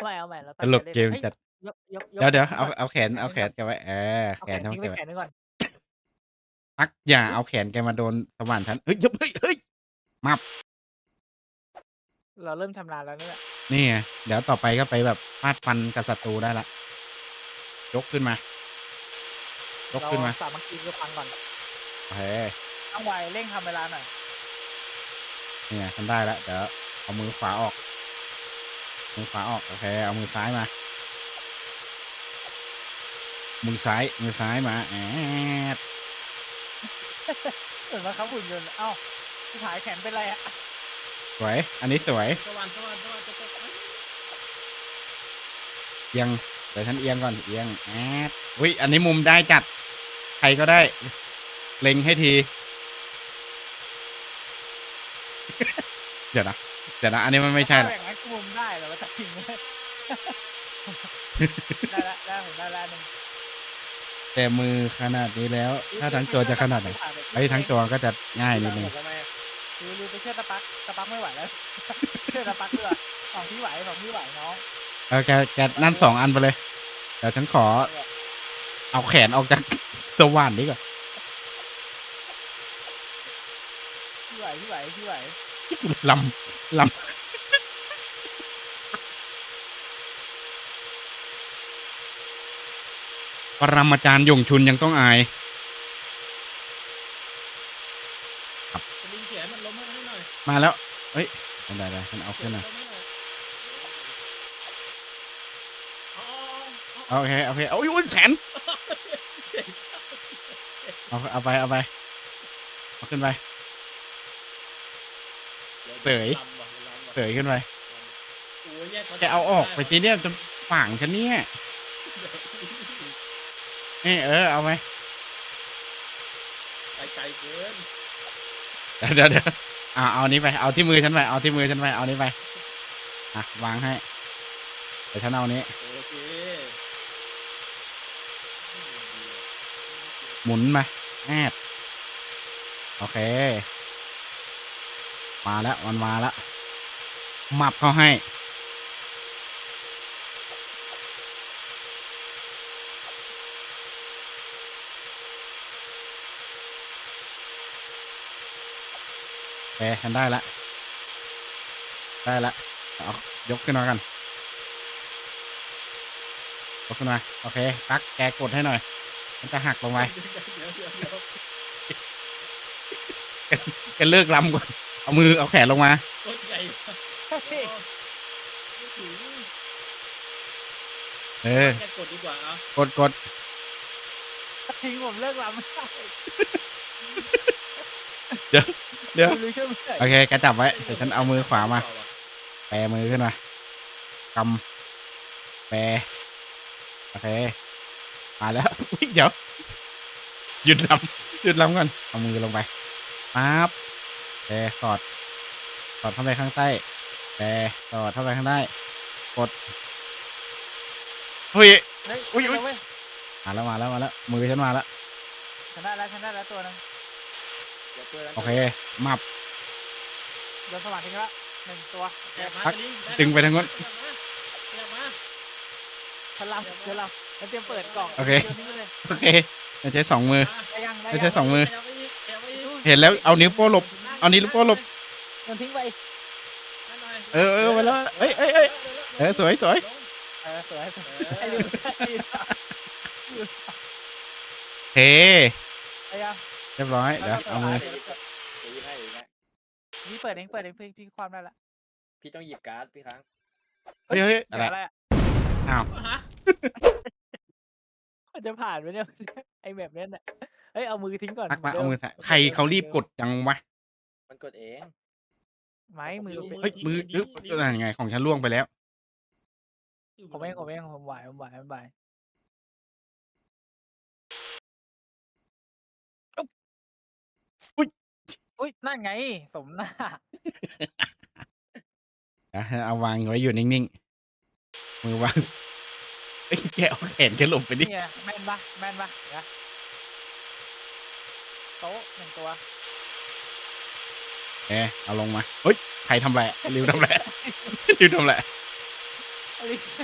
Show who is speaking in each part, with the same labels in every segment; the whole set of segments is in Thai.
Speaker 1: เอาใหม่เรา
Speaker 2: ตล
Speaker 1: ตั้งใจ
Speaker 2: กเกม
Speaker 1: เล่นเฮ้ย
Speaker 2: จัด
Speaker 1: ยก
Speaker 2: เดี๋ยว
Speaker 1: แขนนี้ก่อน
Speaker 2: เอาแขน
Speaker 1: แขนนี้ก่อน
Speaker 2: แกไว้
Speaker 1: เอา
Speaker 2: แขนเขา
Speaker 1: แขนทิ้งไว้
Speaker 2: แกไว้
Speaker 1: แขนหนึ่งก่อน
Speaker 2: ปักอย่า
Speaker 1: ปึ๊บ
Speaker 2: เอาแขนแกมาโดนสว่านฉันเฮ้ยเฮ้ยมับ
Speaker 1: เราเริ่มชำนาญแล้วนั่นแหละ
Speaker 2: นี่ไงเดี๋ยวต่อไปก็ไปแบบฟาดฟันกับศัตรูได้ละยกขึ้นมา ยก
Speaker 1: เรา
Speaker 2: ขึ้นมา
Speaker 1: สามัคคีคือฟังก่อน
Speaker 2: โอเค
Speaker 1: ต้องไวเร่งทำเวลาหน่อย
Speaker 2: นี่ไงฉันได้แล้วเดี๋ยวเอามือขวาออกมือขวาออกโอเคเอามือซ้ายมามือซ้ายมาด
Speaker 1: เหมือนบังคับหุ่นยนต์อ้าวชิบหายแขนเป็นไรอะ
Speaker 2: สวยอันนี้สวย
Speaker 3: สวรรค์จะตก
Speaker 2: เอียงเดี๋ยวฉันเอียงก่อนเอียงอุ้ยอันนี้มุมได้จัดใครก็ได้เล็งให้ทีเดี๋ยวนะอันนี้มันไม่ใช่
Speaker 1: ถ้า
Speaker 2: ละ
Speaker 1: อย่างนั้นคุมได้เหรอวะจะทิ้งเลยได้แล้วได้ผมได้แล้วหนึ่ง
Speaker 2: แต่มือขนาดนี้แล้วถ้าทั้งตัวจะขนาดไหนไอ้ยทั้งตัวก็จะง่ายนิดนึง
Speaker 3: หมดทำไม
Speaker 1: ลืมไปเชื่อตะปักไม่ไหวแล้วเชื่อตะปักด้วยของพี่ไหวน้อง
Speaker 2: แกนั่น2 อันไปเลยเดี๋ยวฉันขอเอาแขนออกจากสว่านนี้ก่อน
Speaker 1: พี่ไหว
Speaker 2: ลลปรมาจารย์หยงชุนยังต้องอาย
Speaker 3: จะลิงเขียนมันล้มให้หน่อย
Speaker 2: มาแล้วเฮ้ยได้ฉันเอาขึ้นนะ
Speaker 3: ล้มให้หน่อยอ๋อ
Speaker 2: โอเคโอ้ยแขนเอาไปเอาขึ้นไปเสยขึ้นไป
Speaker 3: โอ้ยแยก
Speaker 2: แกเอาออกไปทีเนี้ยจะฝังฉันเนี่ยเอาไหม
Speaker 3: ไปไกลเกิน
Speaker 2: เดี๋ยวเอานี้ไปเอาที่มือฉันไปเอานี้ไปวางให้เดี๋ยวฉันเอานี้
Speaker 3: โอเค
Speaker 2: หมุนมาโอเคมาแล้วมันมาแล้วหมับเขาให้ฉันได้ละเอายกขึ้นมากันยกขึ้นมาโอเคปักแกกดให้หน่อยมันจะหักลงไปแกเลิกลำก่อนเอาแขนลงมา
Speaker 3: ต้นใหญ่แค่กดดีกว่าอ่ะ
Speaker 2: กด
Speaker 1: ทิ้งผมเลิกลำไม่ได้
Speaker 2: เดี๋ยวโอเคแกจับไว้เดี๋ยวฉันเอามือขวามาแปรมือขึ้นมากำแปรโอเคมาแล้วเดี๋ยวหยุดลำก่อนเอามือลงไปปั๊บสอดเข้าไปข้างใต้สอดเข้าไปข้างใต้กดอุ้ยมาแล้วมือฉันมาแล้ว
Speaker 1: ฉันได้แล้วตัวนึง
Speaker 2: โอเคมับ
Speaker 1: โดนสว่านทิ้งแล้ว1 ตัว
Speaker 2: ดึงไปทางนู้น
Speaker 1: ฉันลำแล้วเตรียมเปิดกล่อง
Speaker 2: โอเคไม่ใช้2 มือไม่ใช้2 มือ
Speaker 3: ไป
Speaker 2: เห็นแล้วเอานิ้วโป้หลบ
Speaker 1: โยนทิ้งไป
Speaker 2: ไปแล้วสวย
Speaker 1: สวย
Speaker 2: เรียบร้อยเดี๋ยวเอามือ
Speaker 1: พี่เปิดเองพี่ความได้ละ
Speaker 3: พี่ต้องหยิบการ์ดพี่ครั้ง
Speaker 2: เฮ้ยอะไรอ้าว
Speaker 1: มันจะผ่านไหมเนี่ยไอแบบนี้น่ะเฮ้ยเอามือทิ้งก่อน
Speaker 2: มาเอามือใส่ใครเขารีบกดจังวะ
Speaker 3: มันกดเอง
Speaker 1: ไม้มือ
Speaker 2: เฮ้ยมือนั่นไงของฉันล่วงไปแล้ว
Speaker 1: ผมเองผมไหวอุ้ยนั่นไงสมหน้า
Speaker 2: เอาวางไว้อยู่นิ่งๆมือวางแกเอาแขนแกหลบไปดิ
Speaker 1: แม่นปะนะโต๊ะ1 ตัว
Speaker 2: เอาลงมาเฮ้ยใครทำแหละริวทำแหละ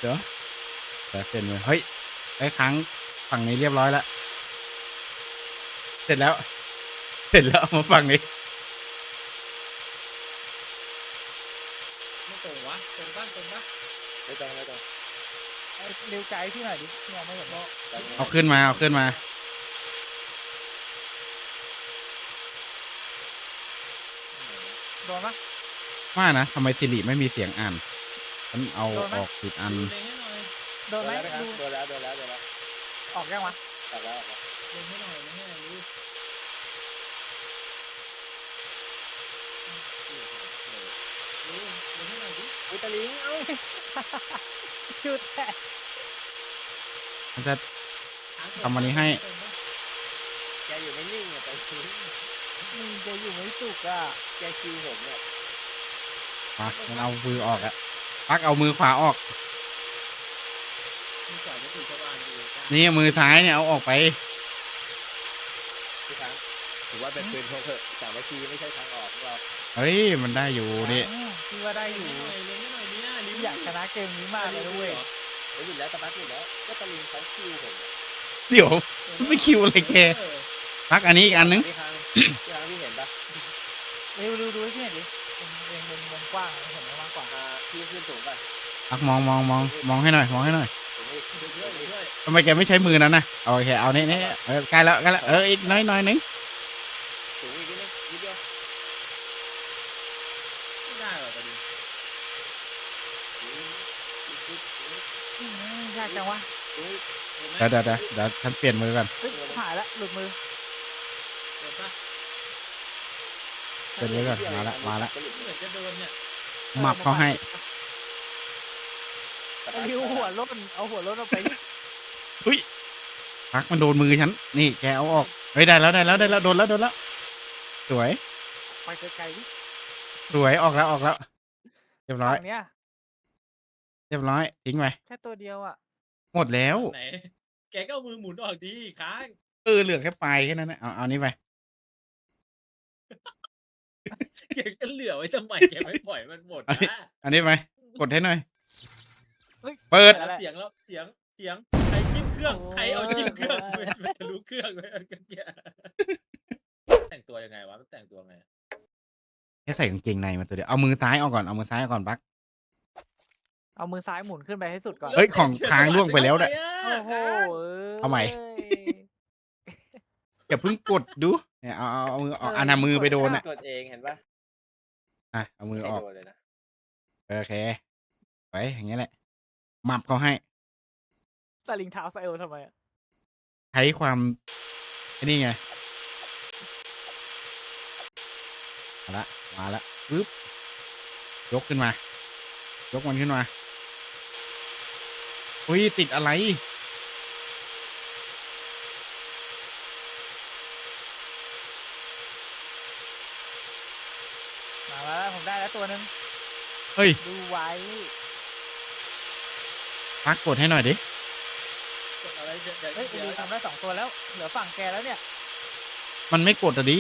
Speaker 2: เดี๋ยวเปลี่ยนมือเฮ้ยไอ้ครั้งฝั่งนี้เรียบร้อยแล้วเสร็จแล้วเอามาฝั่งนี้
Speaker 3: ไม่ตรงวะตรงปะ
Speaker 4: ไม่ต้อง
Speaker 1: ไอ้เร็วไกด์พี่หน่อยดิพี่มองไม่เห็น
Speaker 2: เอาขึ้นมา
Speaker 1: โดนปะ
Speaker 2: ว่านะทำไมสิริไม่มีเสียงอ่านฉันเอาออกผิดอัน
Speaker 3: ดูเล็งให้หน่อย
Speaker 1: โดนไหมดู
Speaker 4: โดนแล้ว
Speaker 1: ออกยังวะ
Speaker 4: ตัดแล้ว
Speaker 3: เล็งให้หน่อยเล็งให้หน่อยดูดูเล็งให้หน่อยดิ
Speaker 4: อุตลิงเอ้า
Speaker 1: หยุดแตะ
Speaker 2: มันจะทำอันนี้ให้
Speaker 4: แกอยู่ไม่นิ่งอ่ะตอนนี้
Speaker 1: มึงจะอยู่ไม่สุกอ่ะ
Speaker 4: แกคิวผมเนี่ย
Speaker 2: มามันเอามือออกอะปักเอามือขวาออก
Speaker 3: มีก่อนจะถึงสว่างอยู่จ้า
Speaker 2: นี่มือซ้ายเนี่ยเอาออกไป
Speaker 4: พี่ช้างถือว่าเป็นปืนพกเถอะสามัคคีไม่ใช่ทางออกของเรา
Speaker 2: เฮ้ยมันได้อยู่นี่
Speaker 1: พี่ว่าได้อยู่
Speaker 3: เล็งให้หน่อยเนี่ย
Speaker 1: พี่อยากชนะเกมนี้มากเลยด้วย
Speaker 4: เฮ้ยหยุดแล้วตะบักหยุดแล้วก็ตะลิงเขาคิวผม
Speaker 2: เดี๋ยวไม่คิวอะไรแกปักอันนี้อีกอันนึง
Speaker 4: พี่ช้างพี่เห็นปะ
Speaker 1: เร็วดูให้พี่เห็นดิเป็นมุมกว้างเห็นไหมกว้าง
Speaker 4: พี่ขึ้นสูงป่ะ
Speaker 2: ปักมองให้หน่อย
Speaker 4: ผมไม่
Speaker 3: ด้วย
Speaker 2: ทำไมแกไม่ใช้มือนั้นนะโอเคเอานี่ใกล้แล้วอีกน้อยนึง
Speaker 4: สูงอีกนิดนึงนิดเดียว
Speaker 3: ไม่ได้หรอกประเด็น
Speaker 1: ยากจังวะ
Speaker 2: เดี๋ยวฉันเปลี่ยนมือก่อน
Speaker 1: เฮ้ยหายละหลุดมือ
Speaker 3: เดี๋ยวปะ
Speaker 2: เปลี่ยนมือก่อนมาละ
Speaker 3: เหมือนจะโดนเนี่ย
Speaker 2: หมับเขาให้
Speaker 1: ไอ้ริวหัวรถเอาหัวรถออกไปดิ
Speaker 2: อุ้ยปักมันโดนมือฉันนี่แกเอาออกเฮ้ยได้แล้วโดนแล้วสวย
Speaker 1: ไปไกลๆดิ
Speaker 2: ออกแล้วเรียบร้อย
Speaker 1: ฝั่งเนี้ย
Speaker 2: ทิ้งไป
Speaker 1: แค่ตัวเดียวอ่ะ
Speaker 2: หมดแล้ว
Speaker 3: ไหนแกก็เอามือหมุนออกดีค้าง
Speaker 2: เหลือแค่ปลายแค่นั้นนะเอานี่ไป
Speaker 3: แกก็เหลือไว้ทำไมแกไม่ปล่อยมันหมดนะ
Speaker 2: อันนี้ไปกดให้หน่อย
Speaker 1: เฮ้ย
Speaker 2: เปิด
Speaker 3: เสียงใครจิ้มเครื่องใครเอาจิ้มเครื่องมันจะรู้เครื่องเลยกันแกแต่งตัวยังไงวะมันแต่งตัวไง
Speaker 2: แค่ใส่กางเกงในมาตัวเดียวเอามือซ้ายออกก่อนปัก
Speaker 1: เอามือซ้ายหมุนขึ้นไปให้สุดก่อน
Speaker 2: เฮ้ยของค้างล่วงไปแล้วเนี่ย
Speaker 1: โอ้โห
Speaker 2: เอาใหม่ อย่าเพิ่งกดดูเนี่ยเอามือออกอันน่ะมือไปโดนอ่ะ
Speaker 4: กดเองเห็นปะ
Speaker 2: เอามือออก
Speaker 4: โดนเลยนะ
Speaker 2: โอเคไปอย่างเงี้ยแหละหมับเขาให้
Speaker 1: สลิงเท้าไซเอลทำไมอ่ะ
Speaker 2: ใช้ความไอ้นี่ไงมาละปึ๊บยกมันขึ้นมาอุ้ยติดอะไร
Speaker 1: มาแล้วผมได้แล้วตัวนึง
Speaker 2: เฮ้ย
Speaker 1: ดูไว้
Speaker 2: ปักกดให้หน่อยดิ
Speaker 3: กดอะไรเดี๋ยว
Speaker 1: เฮ้ยไอ้ริวทำได้2 ตัวแล้วเหลือฝั่งแกแล้วเนี่ย
Speaker 2: มันไม่กดอะดิ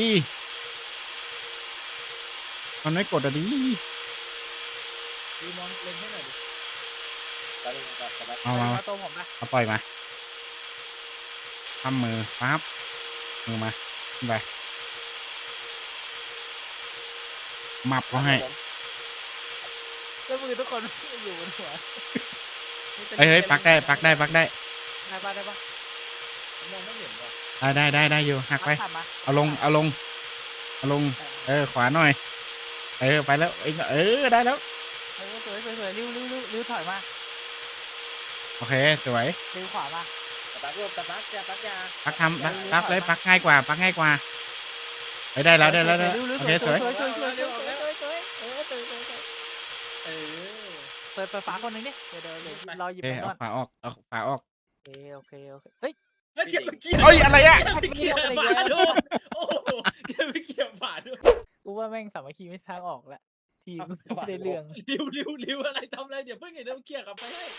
Speaker 2: มันไม่กดอะดิ
Speaker 3: ดูมองเล็งให้หน่อยดิ
Speaker 4: ตะลิงกับตะบัก
Speaker 2: เอามา
Speaker 1: มาตัวผมนะ
Speaker 2: เอาปล่อยมาทำมือปั๊บมือมาขึ้นไปหมับเขาให้
Speaker 1: แล้วมือทุกคนอยู่บนหัว
Speaker 2: เฮ้ยปักได้
Speaker 1: ได้ปะได้ปะ
Speaker 3: มองไม่เห็นว่ะ
Speaker 2: ได้อยู่หักไป
Speaker 1: ขับมา
Speaker 2: เอาลงขวาหน่อยไปแล้วได้แล้ว
Speaker 1: สวยริวถอยมา
Speaker 2: โอเคสวย
Speaker 1: ริวขวามา
Speaker 4: ตะบักรวมตะบักยา
Speaker 2: ปักทำปักเลยปักง่ายกว่าได้แล้วโอเคสวย
Speaker 1: สวย
Speaker 3: เออ
Speaker 1: เปิดฝาคนนึงดิเดี๋ยวรอหยิบ
Speaker 2: เอ้
Speaker 1: ไป
Speaker 2: เอา
Speaker 1: ก่อน
Speaker 2: ฝาออก
Speaker 1: โอเคเฮ้ย
Speaker 3: แล้วแกไปเกี่ยว
Speaker 2: เอ้ยอะไรอ่ะ
Speaker 3: ไปเกี่ยวฝาดูโอ้โหแกไปเกี่ยวฝาดู
Speaker 1: กูว่าแม่งสามัคคีไม่ทางออกแล้วทีมไม่ได้เรื่อง
Speaker 3: ริวอะไรทำอะไรเดี๋ยวเพิ่งเห็นต้องเกี่ยวกลับไปให้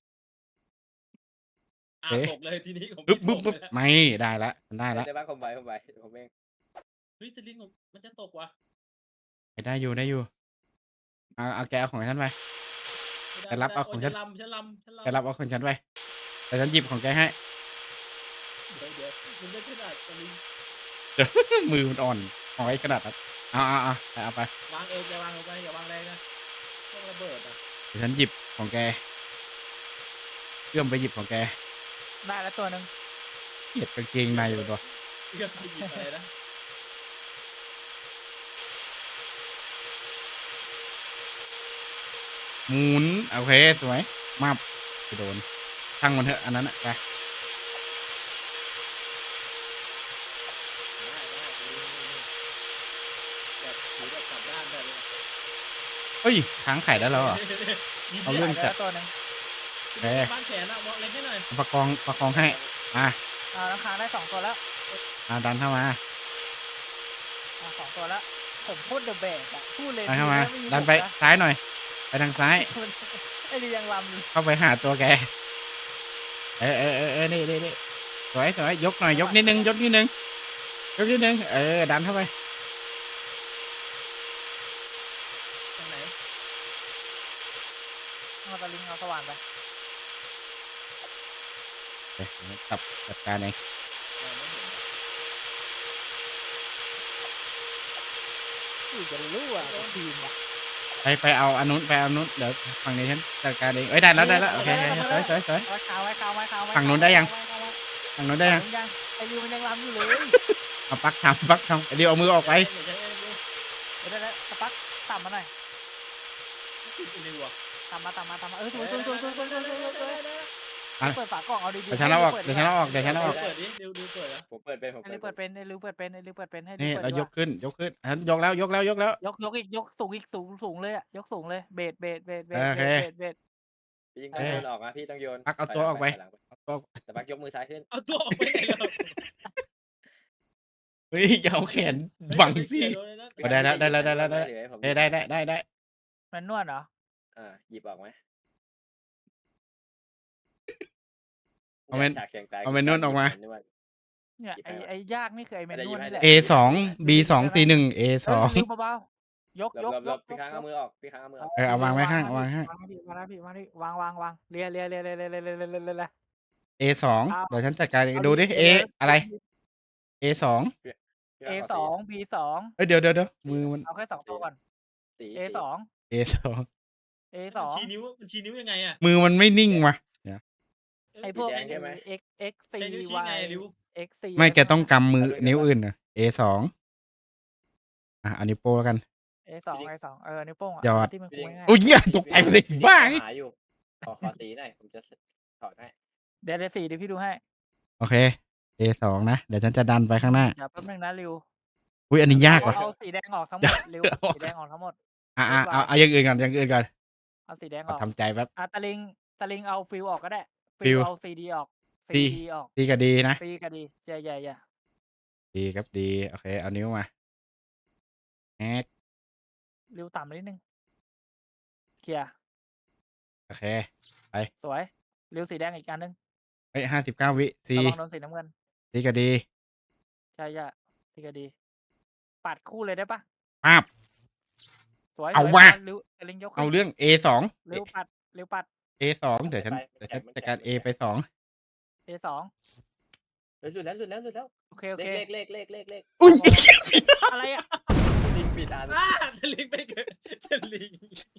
Speaker 3: ตกเลยทีนี้ผม
Speaker 2: ปึ๊บไม่ได้ละ
Speaker 4: ตะบักผมไปผมเอง
Speaker 3: เฮ้ยจะลิงมันจะตกว่ะ
Speaker 2: ได้อยู่เอาแกเอาของฉันไป
Speaker 3: ไม่
Speaker 2: แกรับเอาของฉัน
Speaker 3: ฉันลำ
Speaker 2: แกรับเอาของฉันไปแต่ฉันหยิบของแกให้
Speaker 3: เดี๋ยวมันไม่ขนาดตะลิง
Speaker 2: มือมันอ่อนเอาไว้ขนาดนั้นเอาไป
Speaker 3: วางจะวางลงไปอย่าวางแรงนะต้องระเบิดอ่ะ
Speaker 2: เดี๋ยวฉันหยิบของแกเอื้อมไปหยิบของแก
Speaker 1: ได้แล้วตัวหนึ่ง
Speaker 2: เกลียดกางเกงในอยู่ตัว
Speaker 3: เรื่องที่หยิบอะไรนะ
Speaker 2: หมุนโอเคสวยมาบไปโดนทั้งมันเถอะอันนั้นอะไป
Speaker 3: ได้แบบถือแบบกลับด้านได้เลย
Speaker 2: เฮ้ยค้างไข่ได้แล้วเหรอ เอาเรื่อง
Speaker 1: ได้แล้วตัวหนึ่ง
Speaker 2: เอ๊ะ
Speaker 3: บ้านแขนอะมองเล็กให้หน่อย
Speaker 2: ประคองให้อ่ะ
Speaker 1: น้ำค้างได้2 ตัวแล้ว
Speaker 2: ดันเข้ามา
Speaker 1: 2 ตัวแล้วผมพูดเดอะแบกอะพูดเลย
Speaker 2: ดันเข้ามา
Speaker 1: ไม่มี
Speaker 2: ดันไป
Speaker 1: ผมะ
Speaker 2: ซ้ายหน่อย ไปทางซ้าย
Speaker 1: ไอ้นี่ยังลำอยู่
Speaker 2: เข้าไปหาตัวแกนี่สวยยกหน่อยยกนิดนึงดันเข้าไป
Speaker 3: ตรงไหน
Speaker 1: เอาตะลิงเอาสว่านไป
Speaker 2: เดี๋ยวจัดการเอง
Speaker 3: เราไม่เห็น
Speaker 1: อุ้ยจะรู้อ่ะทีมอ่ะ
Speaker 2: ไปเอาอันนู้นเดี๋ยวฝั่งนี้ฉันจัดการเองเอ้ยได้แล้วโอเคสวย
Speaker 1: เอาคาไว้
Speaker 2: ฝั่งนู้นได้ยัง ฝั่งนู้นได้
Speaker 1: ได้
Speaker 2: ยัง
Speaker 1: ยังไอ้ริวมันยังลำอยู่เลย
Speaker 2: เอาปักทำเดี๋ยวเอามือออกไป
Speaker 3: เดี๋ยวใช้เองดู
Speaker 1: ได้สปักต่ำมาหน่อย
Speaker 3: ติดเร็วอ่ะ
Speaker 1: ต่ำมาสวยเปิดฝากล่องเอาดีๆ
Speaker 2: เดี๋ยวฉันเอาออก
Speaker 3: เปิดดิดูเปิดอ่ะ
Speaker 4: ผมเปิดเป็น
Speaker 1: ให้ริวเปิดเป็นให้ริวเปิดเป็นให้ริ
Speaker 2: นี่
Speaker 1: วเปิด
Speaker 2: เรายกขึ้นฉันยกแล้ว
Speaker 1: ยกอีกยกสูงเลยอ่ะยกสูงเลยเบส
Speaker 2: โอเค
Speaker 4: พี่ยิงต้องโยนออกนะพี่ต้องโยน
Speaker 2: ปักเอาตัวออกไป
Speaker 4: แต่ปักยกมือซ้ายขึ้น
Speaker 3: เอาตัวออกไปไหนแล้ว
Speaker 2: เฮ้ยอย่าเอาแขนบังสิ ได้แล้ว ได้
Speaker 1: มันนวดเหรอ
Speaker 4: หยิบออกไหม
Speaker 2: เอาเมนนวลออกมา
Speaker 1: เนี่ยไอ้ยากนี่คือไอ้เมนนวดนี่แหละ
Speaker 2: A2 B2 C1 A2
Speaker 1: ริวเบาๆยก
Speaker 4: ลบพี่ค้างเอามือออกพี่ค้างเอามือออก
Speaker 2: เอาวางไว้ข้างวาง
Speaker 1: วางเลีย
Speaker 2: A2 เดี๋ยวฉันจัดการเองดูดิ A อะไร A2
Speaker 1: A2 B2
Speaker 2: เอ้ยเดี๋ยวมือมัน
Speaker 1: เอาแค่2 ตัวก่อน A2
Speaker 2: A2
Speaker 1: A2
Speaker 3: ชี้นิ้วยังไงอ่ะ
Speaker 2: มือมันไม่นิ่งว่ะ
Speaker 1: ไอ้พวก X C
Speaker 3: ใช้นิ้วชี้
Speaker 1: Y
Speaker 3: ไงริว
Speaker 1: X C
Speaker 2: ไม่แกต้องกำมือนิ้วอื่นนะ A2 อันนี้วโป้แล้วกัน
Speaker 1: A2 นิ้วโป้งอ่ะ
Speaker 2: ยอด
Speaker 1: ที่มันคุยง่าย
Speaker 2: อุ้ยเนี่ยตกใจไปเลยบ้า
Speaker 4: หาอยู่ขอสีหน่อยผมจะถอดให้
Speaker 1: เดี๋ยว4เดี๋ยวพี่ดูให้
Speaker 2: โอเค A2 นะเดี๋ยวฉันจะดันไปข้างหน้า
Speaker 1: เดี๋ยวแป๊บนึงนะริว
Speaker 2: อุ้ยอันนี้ยากว่ะ
Speaker 1: เอาสีแดงออกทั้งหมดริวสีแดงออกทั้งหมด
Speaker 2: เอาอย่างอื่นก่อน
Speaker 1: เอาสีแดงอ
Speaker 2: เอา
Speaker 1: อก
Speaker 2: ทำใจแป๊บ
Speaker 1: ตะลิงเอาฟิลออกก็ได้
Speaker 2: ฟิล
Speaker 1: เอา CD ออก CD ออก
Speaker 2: ดีกับดีนะ
Speaker 1: C ก็ดีอย่า
Speaker 2: ดีครับดีโอเคเอานิ้วมาแฮก
Speaker 1: ริวต่ำนิดนึงเคลียร์
Speaker 2: โอเค
Speaker 1: สวยริวสีแดงอีกอันนึง
Speaker 2: เฮ้ย59 วิซี
Speaker 1: ระวังโดนสีน้ำเงิน
Speaker 2: ดีกับดี
Speaker 1: ใช่สีก็ดีปัดคู่เลยได้ปะ
Speaker 2: ปั๊บ
Speaker 1: สวย
Speaker 2: เอา
Speaker 1: สย
Speaker 2: ว่ะ
Speaker 1: ริวตะลิงยกขึ้น
Speaker 2: เอาเรื่อง A2
Speaker 1: ริวปัด
Speaker 2: A2 เดี๋ยวฉันจัดการ A ไป2
Speaker 1: A2
Speaker 4: สุดแล้ว
Speaker 1: โอเค
Speaker 4: เลข
Speaker 2: อุ้ย
Speaker 1: อะไรอ่ะ
Speaker 4: ลิงปิดอัน
Speaker 3: ตะลิงไปเกิดตะลิง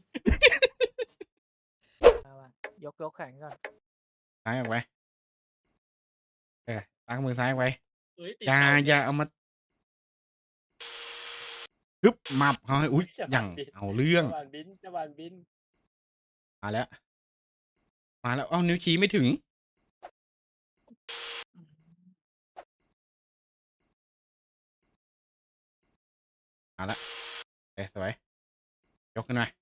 Speaker 1: ยกแข่งก่อน
Speaker 2: ซ้ายออกไปตั้งมือซ้ายไว้
Speaker 3: เฮ้ยติด
Speaker 2: อย่าเอามาฮึบมับเขาให้อุ้ยอย่างเอาเรื่อง
Speaker 4: จะบานบิน
Speaker 2: มาแล้วเอานิ้วชี้ไม่ถึงมาละสวยยกขึ้นมา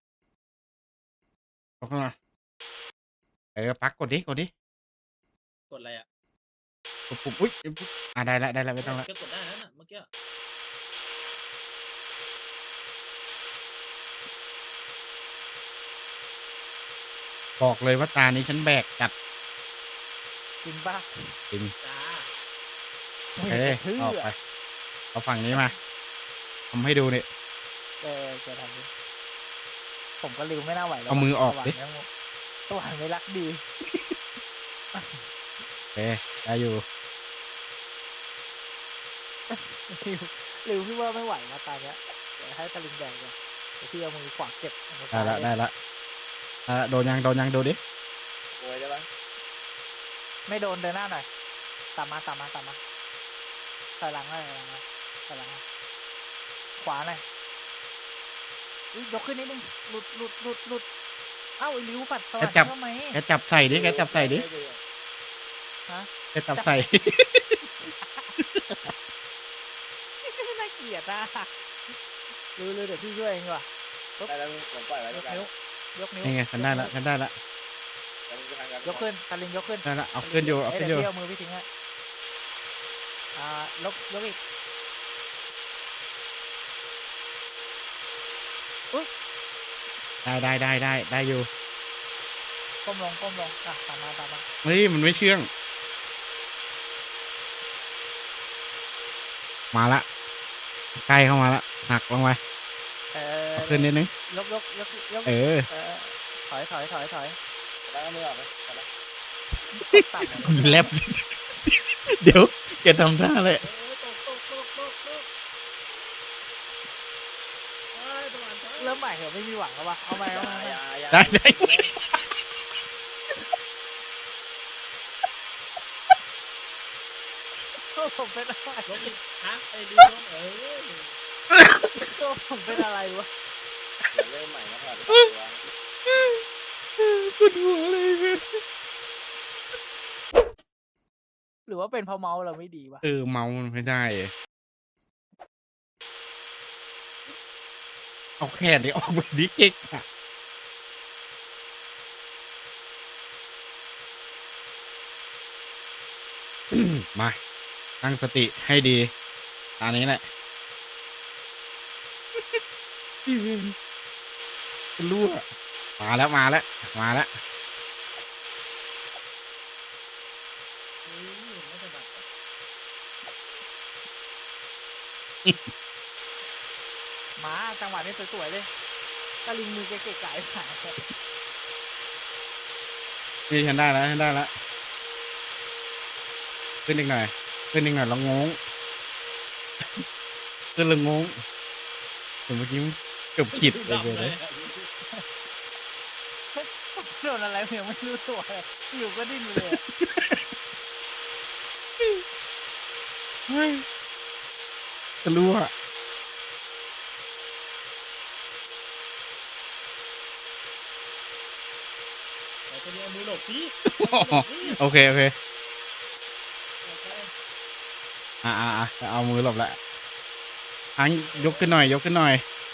Speaker 2: ปักกดดิ
Speaker 3: กดอะไรอ่ะ
Speaker 2: ปุ่มอุ้ยได้แล้วไม่ต้องละ
Speaker 3: แกกดได้แล้วน่ะเมื่อกี้
Speaker 2: บอกเลยว่าตานี้ฉันแบกจัด
Speaker 1: จริงป่ะ
Speaker 2: จริง
Speaker 3: จ้า
Speaker 2: เอ้ยออกไปเอาฝั่งนี้มาทำให้ดูเนี่ย
Speaker 1: จะทำดิผมก็ริวไม่น่าไหวแล้ว
Speaker 2: เอามือออกดิ
Speaker 1: สสวรรค์ไม่รักดี
Speaker 2: โอเคได้อยู่
Speaker 1: ริวพี่ว่าไม่ไหวมาตาเนี้ยเดี๋ยวให้ตะลิงแดงก่อนเดี๋ยวพี่เอามือขวาเก็บเอามือ
Speaker 2: ได้
Speaker 1: ซ้าย
Speaker 2: ละได้ละโดนยังดูดิ
Speaker 4: โวยได้ปะ
Speaker 1: ไม่โดนเดินหน้าหน่อยตามมาถอยหลังเลยถอยหลังเลยขวาหน่อยอุ๊ยยกขึ้นนิดนึงหลุดเอ้าไอ้ริวปัดสวรรค์ทำไม
Speaker 2: แกจับใส่ดิแกจับใส่ดิ
Speaker 1: ฮะ
Speaker 2: แกจับใส่
Speaker 1: น่าเกลียดนะริวเดี๋ยวพี่ช่วยเองดีกว่า
Speaker 4: ได้แล้วผมปล่อยไว้
Speaker 1: ย
Speaker 4: แล้ว
Speaker 1: ก
Speaker 4: กัน
Speaker 1: นิ้วยกนิ้ว
Speaker 2: นี่ไงฉันได้ละ
Speaker 4: แล้วมึงจะทำกัน
Speaker 1: ยกขึ้นตะลิงยกขึ้น
Speaker 2: ได้ละเอาขึ้นอยู่เอาขึ้นอยู่
Speaker 1: เดี๋ยวพี่เอามือพี่ทิ้งฮะยกอีก
Speaker 2: ได้อยู่
Speaker 1: ก้มลงอ่ะตามมา
Speaker 2: เฮ้ยมันไม่เชื่องมาละใกล้เข้ามาละหักลงไป เอาขึ้นนิดนึง
Speaker 1: ยก
Speaker 2: เออ
Speaker 1: ถอย
Speaker 4: แล้วมือออกไหมแล้ว
Speaker 1: ต่ำ
Speaker 2: แลบ เดี๋ยวแกทำท่าเลย
Speaker 3: ตกสวรรค์
Speaker 1: เริ่มใหม่เหรอไม่มีหวังแล้ววะเอาใหม่
Speaker 4: อย่า
Speaker 2: ได้
Speaker 1: ผมเป็นอะไร
Speaker 3: ลบอีกฮะไอ้ดีลง
Speaker 1: ผมเป็นอะไรวะ
Speaker 4: อย่าเริ่มใหม่นะพอ
Speaker 2: ปวดหัวเลยเว้ย
Speaker 1: หรือว่าเป็นเพราะเมาส์เราไม่ดีวะ
Speaker 2: เมามันไม่ได้ เอาแขนดิออกไปดิเก๊กอะมาตั้งสติให้ดีตอนนี้แหละพี่เวนรั่วมาแล้ว
Speaker 3: ไม่ถนัด
Speaker 1: มาจังหวะนี้สวยๆเลยตะลิงมือเก๋ๆไก่หาย
Speaker 2: นี่ฉันได้แล้วขึ้นอีกหน่อยแล้วงงขึ้นแล้วงงเมื่อกี้เกือบขิดเลย
Speaker 1: โดนอะไรยังไม่รู้ตัวเลยอยู่ก็ดิ้นเลย
Speaker 2: เฮ้ยจะรู้อะ
Speaker 3: แต่ตัวนี้เอามือหลบสิ
Speaker 2: โอเคเอามือหลบละยกขึ้นหน่อย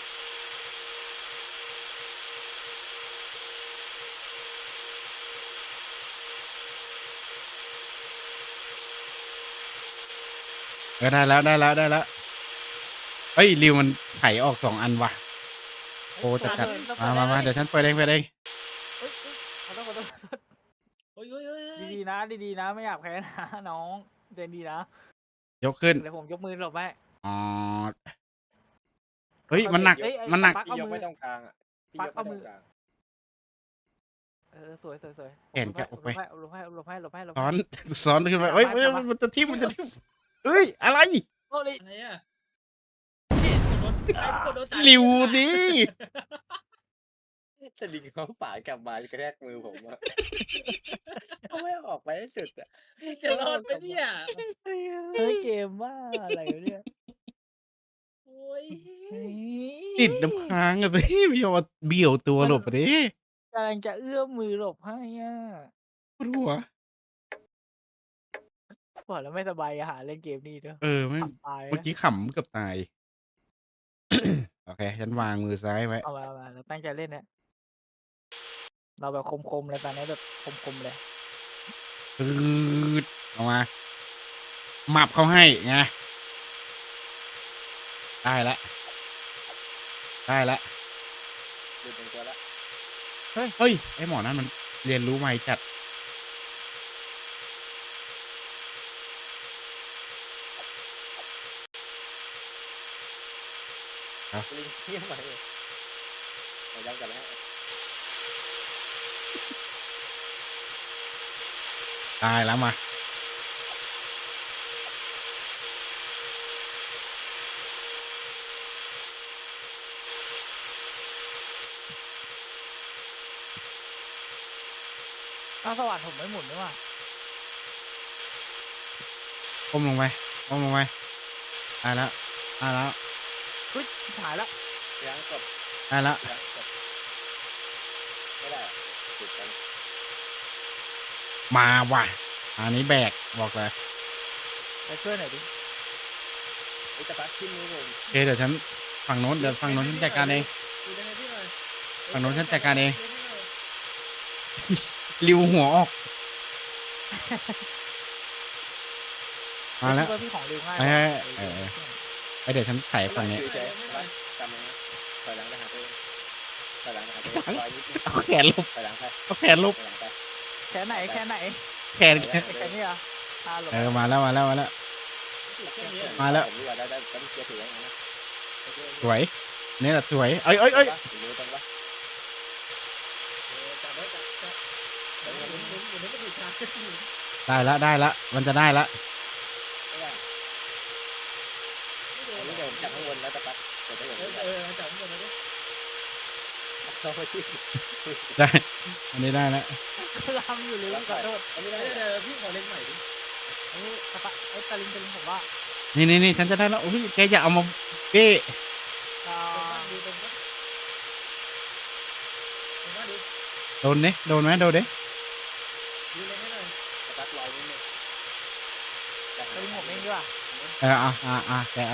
Speaker 2: ได้แล้วเฮ้ยริวมันไถออก2 อันว่ะโอ้จัดมาเดี๋ยวฉันเปิดเอง
Speaker 1: ขอโทษ
Speaker 3: โอ้ย
Speaker 1: ดีๆนะไม่อยากแพ้นะน้องใจดีนะ
Speaker 2: ยกขึ้น
Speaker 1: เดี๋ยวผมยกมือหลบให้
Speaker 2: อ๋อเฮ้ยมันหนัก
Speaker 4: พี่ยกไม่ต้องกลางอ่ะพี่ยกไม่ต้องกลาง
Speaker 1: สวย
Speaker 2: แขนแกออกไป
Speaker 1: หลบให้
Speaker 2: ซ้อนขึ้นไปเอ้ยมันจะทิ่มเฮ้ยอะไร
Speaker 1: โอ้ย
Speaker 3: อะไรอ่ะกดโดน
Speaker 2: ริวดิ
Speaker 4: จะดึงเขาป่ากลับมากระแทกมือผมอ่ะเขาไม่ออกไปให้สุดอ่ะ
Speaker 3: จะรอดไหมเนี่ย
Speaker 1: เฮ้ยเกมว่าอะไรวะเนี่ย
Speaker 3: โอ้ย
Speaker 2: ติดน้ำค้างอะสิพี่เอาเบี่ยวตัวหลบไปดิ
Speaker 1: กำลังจะเอื้อมมือหลบให้อ่ะ
Speaker 2: ปวดหัว
Speaker 1: บอกแล้วไม่สบายหาเล่นเกมนี้เด้อ
Speaker 2: ไม่
Speaker 1: ขำตาย
Speaker 2: เมื่อ
Speaker 1: นะ
Speaker 2: กี้ขำเกือบตาย โอเค ฉันวางมือซ้ายไว้
Speaker 1: เอามาเราตั้งใจเล่นเนี่ยเราแบบคมๆเลยตอนนี้แบบคมๆเลย
Speaker 2: ปืดเอามาหมับเขาให้ไงได้ละ
Speaker 4: ดูเป็นตัวละ
Speaker 2: เฮ้ย ไอหมอนั่นมันเรียนรู้ไวจัด
Speaker 4: ลิงเที่ยงไปไปดังกันแล้ว
Speaker 2: ตายแล้วมา
Speaker 1: อ้าวสว่านผมไม่หมุนนี่หว่า
Speaker 2: ก้มลงไปก้มลงไปตายแล้วตายแล้ว
Speaker 1: เฮ้ยหายละ
Speaker 4: ยังกด
Speaker 2: ตายแล้ว
Speaker 4: ยังกดไม่ได้อะติดกัน
Speaker 2: มาว่ะอันนี้แบกบอกเลย
Speaker 1: ไปช่วยหน่อยดิ
Speaker 4: ไอ้ตะปักขึ้นมือผม
Speaker 2: โอเคเดี๋ยวฉันฝั่งโน้นเดี๋ยวฝั่งโน้นฉันจัดการเอง
Speaker 3: ดูได้ให้พี่หน่อย
Speaker 2: ฝั่งโน้นฉันจัดการเอง
Speaker 3: ดูให้หน่อย
Speaker 2: ริวหัวออกมาแล้ว
Speaker 1: ช่วยพี่ของเร็วง่าย
Speaker 2: เอ้
Speaker 1: ก
Speaker 2: ย
Speaker 1: ว่า
Speaker 2: เออ ไอเดี๋ยวฉันไถฝั่งนี้
Speaker 4: คือใจนะจำไว้นะถอยหลังไปหาตัวเองถอยหลังไปหาตัวเองรอยนิดนึง
Speaker 2: เอาแขนลบ
Speaker 4: ถอยหลังไป
Speaker 2: เอาแขนลบ
Speaker 4: ถอยหลังไป
Speaker 1: แค่ไหนแค่ไหน
Speaker 2: แขน
Speaker 1: แค่นี้เหรอตาหลบ
Speaker 2: เออมาแล้วมาแล้วมาแล้ว
Speaker 3: ถูกแค่นี้อะ
Speaker 2: มาแล้ว
Speaker 4: ผมดีกว่าได้ต้องเกียร์ถือไว้นะ
Speaker 2: สวยนี่แหละสวยเอ้ยเอ้ยเอ้ย
Speaker 4: มือตรงปะ
Speaker 3: จับไว้จับเดี๋ยวหมุนให้มันถูกทาง
Speaker 2: ได้ละได้ละมันจะได้ละ
Speaker 4: ไม่ได้
Speaker 3: ไม่โด
Speaker 4: อั
Speaker 3: น
Speaker 4: นนี้เดี๋ยวผมจับข้างบนแล้วตะปักเดี๋ยวได้อย่างนี้
Speaker 3: จับหมดเลยดิ
Speaker 4: เข้าไปที่
Speaker 2: ได้อันนี้ได้ละ
Speaker 1: ลำอยู่เลยขอโทษ
Speaker 4: อันนี้
Speaker 3: เดี๋
Speaker 4: ได้
Speaker 3: ยวพี่ขอเล่นใหม่ดิ
Speaker 1: เอ้ยตะปะเอ้ยตะลิงผมว่า
Speaker 2: นี่ฉันจะได้แล้วโอ้ยแกอย่าเอามาเป้
Speaker 1: อ่า
Speaker 3: ดูตรงนั้นตรงนั้นดู
Speaker 2: โดนเนี่ยโดนไหมโดนเด้
Speaker 3: ดูเลยให้หน่อย
Speaker 4: ตะปักลอยนิดนึง
Speaker 1: ตะลิงผมเองดีกว่า
Speaker 2: เออแกเอา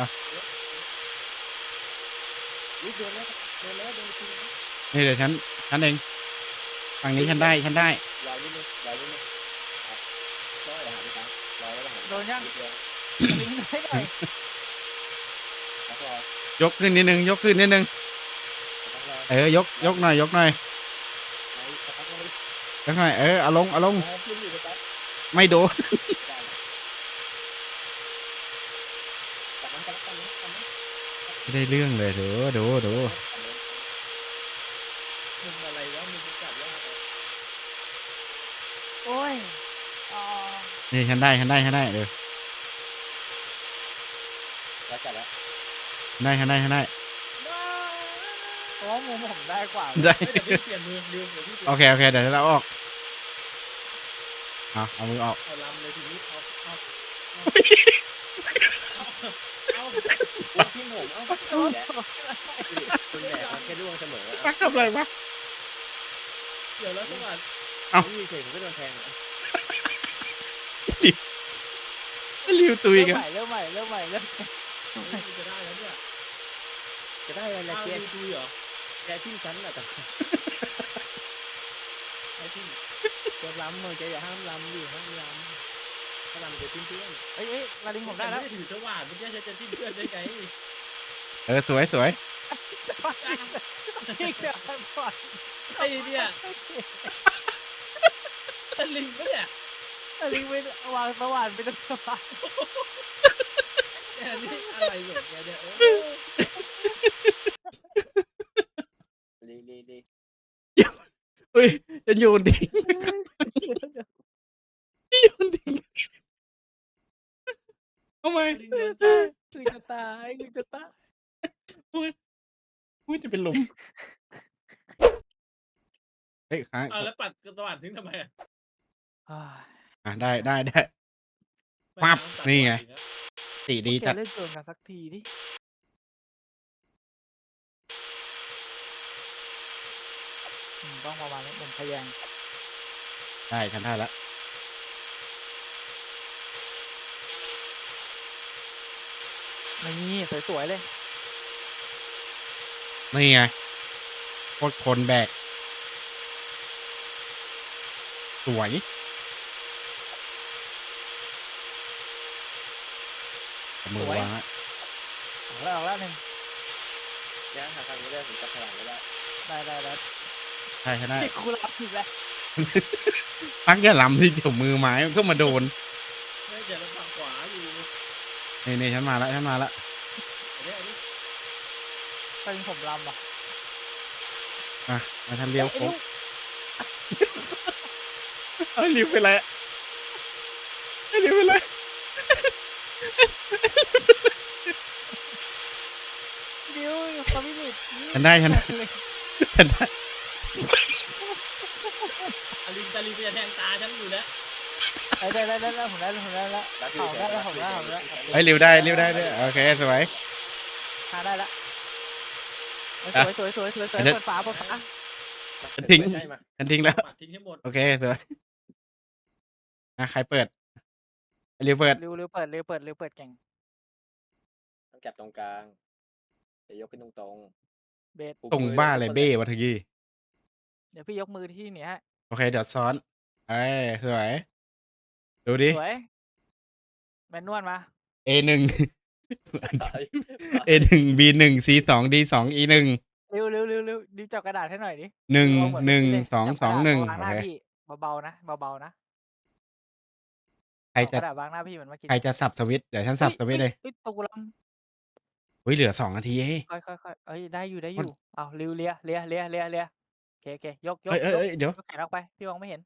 Speaker 4: อุ้ยโดนแล้วโดนแล้วโดนจริง
Speaker 2: นี่เดี๋ยวฉันเองฝั่งนี้ฉันได้
Speaker 4: ลอยนิดนึงลอยนิดนึงลอยหาที่ตั้งลอยแล้วหา
Speaker 1: โดนยัง
Speaker 4: นิดเดียว
Speaker 1: ตะลิงได้หน่อย
Speaker 4: แล้วลอย
Speaker 2: ยกขึ้นนิดนึงยกขึ้นนิดนึง
Speaker 4: ตะปักลอย
Speaker 2: เออยกหน่อยยกหน่อย
Speaker 4: ไหนตะปักลอย
Speaker 2: ยกหน่อยเออเอาลง
Speaker 4: ขึ้นอยู่ตะปัก
Speaker 2: ไม่โดน
Speaker 4: ได้ตะปักตะปักตะปัก
Speaker 2: ไม่ได้เรื่องเลยดู
Speaker 3: มุมอะไรวะมุมจับยากเลย
Speaker 1: โอ้ยอ่า
Speaker 2: นี่ฉันได้เดี๋ยว
Speaker 4: แล้วจับแล้ว
Speaker 2: ได้
Speaker 1: เพราะว่ามุมผมได้กว่า
Speaker 2: ได้
Speaker 3: เดี๋ยวพี่เปลี่ยนมือดูเดี๋ยวพี่เปลี่ยน
Speaker 2: โอเคเดี๋ยวเราออกเอามือออก
Speaker 3: เอาลำเลยทีนี้เอา
Speaker 4: ที่ผมเอ้าคุณแหม่แค่ร่วงเสมอ
Speaker 2: ปักทำอะไรวะ
Speaker 3: เดี๋ยวแล้วสวัสดิ์
Speaker 4: นี่เฉยผมก็โดนแทง
Speaker 2: ริวตุย
Speaker 1: เริ่ม
Speaker 2: กัน
Speaker 1: ใหม่เริ่มใหม่
Speaker 3: จะได้แล้วเนี่ย
Speaker 4: จะได้อะไร
Speaker 3: อ้าว
Speaker 4: แก
Speaker 3: ดูดูเหรอ
Speaker 4: แกทิ้งฉันแหละแต่
Speaker 3: ไอ้ที่
Speaker 4: จะล้ำมึงจะอย่าห้ามล้ำดิห้ามล้ำถ้าล้ำจะทิ้งเพื่อน
Speaker 1: เอ้ยตะลิงผมได้
Speaker 3: ไม่
Speaker 1: แล้ว
Speaker 3: ได้ถือสว่านเมื่อกี้จะจิ้มเพื่อนได้ไง
Speaker 2: เออสวย
Speaker 1: พี่เกิดก่อน
Speaker 3: ไอ้เนี่ยตะลิงปะเนี่ย
Speaker 1: ตะลิงไปวางสว่านไปตรงสว่าน
Speaker 3: แกนี่อะไรของแกเนี่ยโอ้
Speaker 4: ลี
Speaker 2: เฮ้ยจะโยนทิ้งทำไม
Speaker 3: ตะลิงโดน
Speaker 1: ลิงจะตายลิงจะตาย
Speaker 2: อุ้ยจะเป็นลมเฮ้ยค้าง
Speaker 3: เอาแล้วปัดสว่านทิ้งทำไมอ่ะ
Speaker 2: ได้ปั๊บนี่ไงสีดี
Speaker 1: แก
Speaker 2: จัด
Speaker 1: เล่นเกินกันสักทีดิต้องประมาณนี้ผมพยายาม
Speaker 2: ได้ฉันได้แล้ว
Speaker 1: นี่สวยๆเลย
Speaker 2: นี่ไงโคตรคนแบกสวยเอามือวางละ
Speaker 1: ออกแล้วหนึ่ง
Speaker 4: ย่างหาทางนี้ได้ผมจับพลังไม่ได้
Speaker 1: ได้
Speaker 2: ใช่ได้
Speaker 1: ที่คุณรับอีกแล้ว
Speaker 2: ปักอย่าล้ำที่เดี๋ยวมือไม้มันก็มาโดน
Speaker 3: ไม่เดี๋ยวเราฝั่งขวาอยู่
Speaker 2: นี่ฉันมาแล้ว
Speaker 3: อันนี้
Speaker 1: ตอนนี้ผมลำอ่ะ
Speaker 2: มาทำเลี้ยวโค้งเอ้ยริวเป็นไรไอ้ริวเป็นไร
Speaker 1: ดิวความพิจิตร
Speaker 2: ฉันได้ฉันได้
Speaker 3: ตาลิงจะแทงตาฉันอยู่แล้ว
Speaker 1: ได้ผมได้แล้ว
Speaker 4: รัก
Speaker 1: เอาได้แล้วผมได้
Speaker 2: ไอ้ยริวได้ด้วยโอเคสวย
Speaker 1: ได้แล้วสวยเปิดฝา
Speaker 2: ฉันทิ้ง
Speaker 4: ใช่มา
Speaker 2: ฉันทิ้งแล้ว
Speaker 3: ปัดทิ้งให้หมด
Speaker 2: โอเคสวยใครเปิดไอ้ริวเปิด
Speaker 1: เร็วเปิดเก่ง
Speaker 4: ต้องจับตรงกลางเดี๋ยวยกขึ้นตรง
Speaker 1: เบส
Speaker 4: ๆ
Speaker 2: ตรงบ้าอะไรเบ้วะทีกี้
Speaker 1: เดี๋ยวพี่ยกมือที่นี่ฮะ
Speaker 2: โอเคเดี๋ยวซ้อนเอ้ยสวยดูดิ
Speaker 1: สวยแมนนวลมา
Speaker 2: A1
Speaker 4: ตาย
Speaker 2: A1 B1 C2 D2 E1
Speaker 1: เร็วดิวจับกระดาษให้หน่อยดิ
Speaker 2: 1 1 2 2 1
Speaker 1: วาง
Speaker 2: โอ
Speaker 1: หน้า
Speaker 2: เค
Speaker 1: พี่เบาๆนะ
Speaker 2: ใครจะ
Speaker 1: กระดาษวางหน้าพี่เหมือนเมื่อกี้
Speaker 2: ใครจะสับสวิตช์เดี๋ยวฉันสับสวิตช์เลย
Speaker 1: ตูล
Speaker 2: อุ้ยเหลือ2 นาทีเอง
Speaker 1: ำค่อยเอ้ยได้อยู่เอาเร็วเลียโอเคยก
Speaker 2: เอ้ยเดี๋ยวย
Speaker 1: กแขนออกไปพี่มองไม่เห็น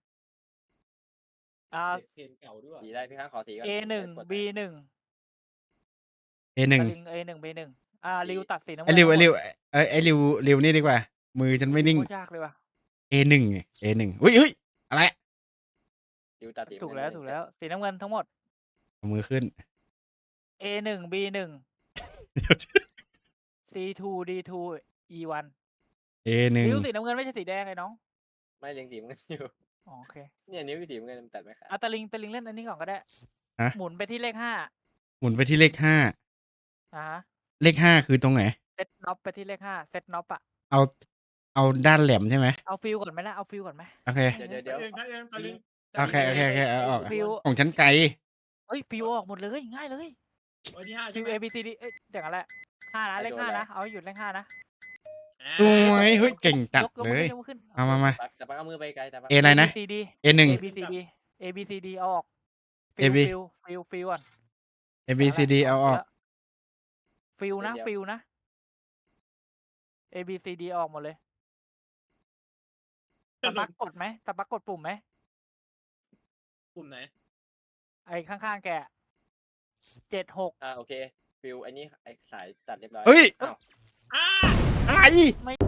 Speaker 3: เพลงเก่าด้วย
Speaker 4: สีได้พี่ข้างขอสีก่อน
Speaker 1: A1 B1
Speaker 2: A1
Speaker 1: A1 B1 ริวตัดสีน้ำ
Speaker 2: ไอ้ริวไอ้ริวนี่ดีกว่า มือฉันไม่นิ่ง
Speaker 1: โคตรยากเลยว่ะ
Speaker 2: A1 อุ้ยอะไร
Speaker 4: ดิวตาตี
Speaker 1: ถูกแล้วสีน้ำเงินทั้งหมด
Speaker 2: เอามือขึ้น
Speaker 1: A1 B1
Speaker 2: เดี๋ยว
Speaker 1: C2 D2 E1
Speaker 2: A1
Speaker 1: ริวสีน้ำเงินไม่ใช่สีแดงไอ้น้อง
Speaker 4: ไม่เล็งสีมันอยู่
Speaker 1: อ๋อโอเค
Speaker 4: เนี่ยนิ้วสีมันเงินตัดไม่ขาด
Speaker 1: ตะลิงเล่นอันนี้ก่อนก็ได้
Speaker 2: ฮะ
Speaker 1: หมุนไปที่เลข 5
Speaker 2: หมุนไปที่เลข5
Speaker 1: ฮะ
Speaker 2: เลข5คือตรงไหน
Speaker 1: เซตน็อปไปที่เลข5เซตน็อปอะ
Speaker 2: เอาด้านแหลมใช่ไหม
Speaker 1: เอาฟิลก่อนไหมล่ะเอาฟิลก่อนไหม
Speaker 2: โอเค
Speaker 4: เดี๋ยว
Speaker 3: ตาลิง
Speaker 2: โอเคเอาออก
Speaker 1: ฟิล
Speaker 2: ของฉันไกล
Speaker 1: เอ้ยฟิลออกหมดเลยง่ายเลย
Speaker 3: ไว้ที่ห้า
Speaker 1: ฟิ
Speaker 3: ใช่
Speaker 1: ล
Speaker 3: ไหม
Speaker 1: A B C D เอ้ยอย่างนั้นแหละ5นะเลข5นะเอาให้หยุดเลข5นะ
Speaker 2: สวยเฮ้ยเก่งจัด
Speaker 1: ยก
Speaker 2: เลย
Speaker 1: มือขึ้น
Speaker 2: มา
Speaker 4: แต่ปักเอามือไปไกลแต่ปัก
Speaker 2: A อะไรนะ
Speaker 1: C D
Speaker 2: A1
Speaker 1: A B C D A B C D เอาออกฟิล
Speaker 2: AB
Speaker 1: ฟิลก่อน
Speaker 2: A B C D เอาออก
Speaker 1: ฟิลนะ A B C D ออกหมดเลยตะปักกดไหมตะปักกดปุ่มไหม
Speaker 3: กลุ่มไหน
Speaker 1: ไอ้ข้างๆแก76
Speaker 4: โอเคฟิวอันนี้ไอ้สายตัดเรียบร้อย
Speaker 2: เฮ้ย
Speaker 4: อ้าว
Speaker 3: อ่า
Speaker 2: อะไร
Speaker 1: ไม่